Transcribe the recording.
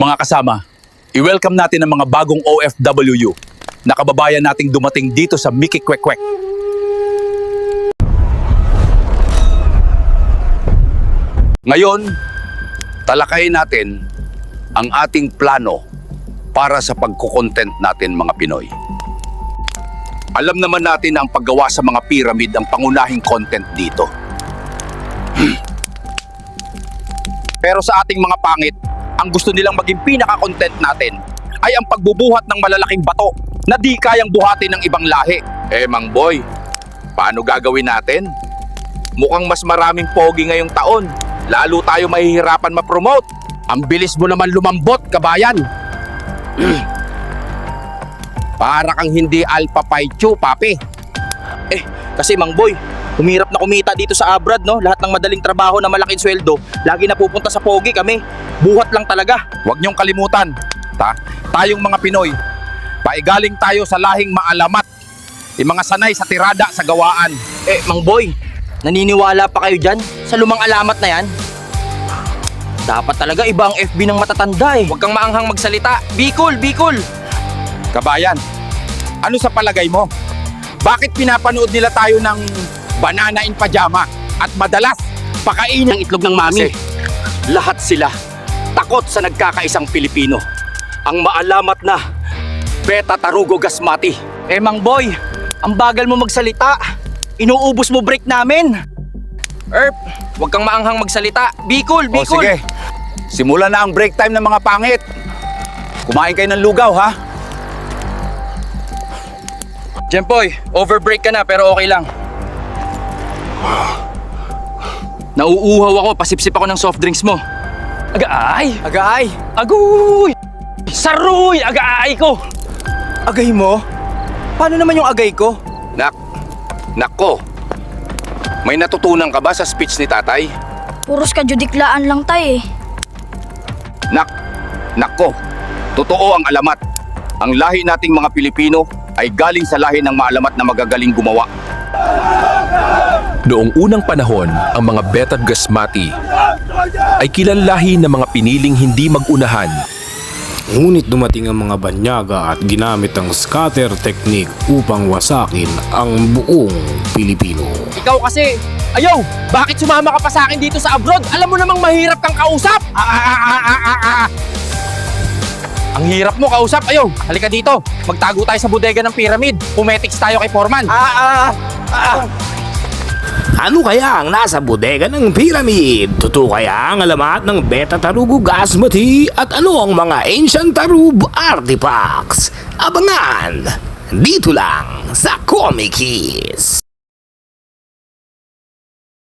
Mga kasama, i-welcome natin ang mga bagong OFWU na kababayan nating dumating dito sa Mickey Kwek Kwek. Ngayon, talakayin natin ang ating plano para sa pagkukontent natin mga Pinoy. Alam naman natin na ang paggawa sa mga pyramid ang pangunahing content dito. Pero sa ating mga pangit, ang gusto nilang maging pinaka-content natin ay ang pagbubuhat ng malalaking bato na di kayang buhatin ng ibang lahi. Mang boy, paano gagawin natin? Mukhang mas maraming pogi ngayong taon. Lalo tayo mahihirapan ma-promote. Ang bilis mo naman lumambot, kabayan. Para kang hindi Alpha Pi Chu, papi. Kasi Mang Boy, humirap na kumita dito sa abroad, no? Lahat ng madaling trabaho na malaking sweldo, lagi napupunta sa pogi kami. Buhat lang talaga. Huwag niyong kalimutan, tayong mga Pinoy, paigaling tayo sa lahing maalamat. Yung mga sanay sa tirada sa gawaan. Mang Boy, naniniwala pa kayo dyan sa lumang alamat na yan? Dapat talaga iba ang FB ng matatanda eh. Huwag kang maanghang magsalita. Bicol, Bicol! Kabayan, ano sa palagay mo? Bakit pinapanood nila tayo ng banana in pajama at madalas pakainin Ang itlog ng mami. Kasi lahat sila takot sa nagkakaisang Pilipino. Ang maalamat na Beta Tarugo Gasmati. Mang Boy, ang bagal mo magsalita. Inuubos mo break namin. Erp, huwag kang maanghang magsalita. Bicol, O Bicol! sige, simula na ang break time ng mga pangit. Kumain kayo ng lugaw ha? Jempoy, overbreak ka na pero okay lang. Nauuhaw ako, pasipsip ako ng soft drinks mo. Agaay! Agay! Aguy! Saruy! Agaay ko! Agay mo? Paano naman yung agay ko? Nako, may natutunan ka ba sa speech ni tatay? Puros kajudiklaan lang tay eh. Nako, totoo ang alamat. Ang lahi nating mga Pilipino ay galing sa lahi ng maalamat na magagaling gumawa. Noong unang panahon, ang mga Beta Gasmati ay kilanlahi ng mga piniling hindi mag-unahan. Ngunit dumating ang mga banyaga at ginamit ang scatter technique upang wasakin ang buong Pilipino. Ikaw kasi, ayaw! Bakit sumama ka pa sa akin dito sa abroad? Alam mo namang mahirap kang kausap! Ang hirap mo kausap, ayaw. Halika dito, magtago tayo sa bodega ng pyramid. Pumetics tayo kay Foreman. Ano kaya ang nasa bodega ng pyramid? Totoo kaya ang alamat ng Beta Tarugo Gasmati? At ano ang mga ancient Tarub artifacts? Abangan! Dito lang sa Comic Kiss!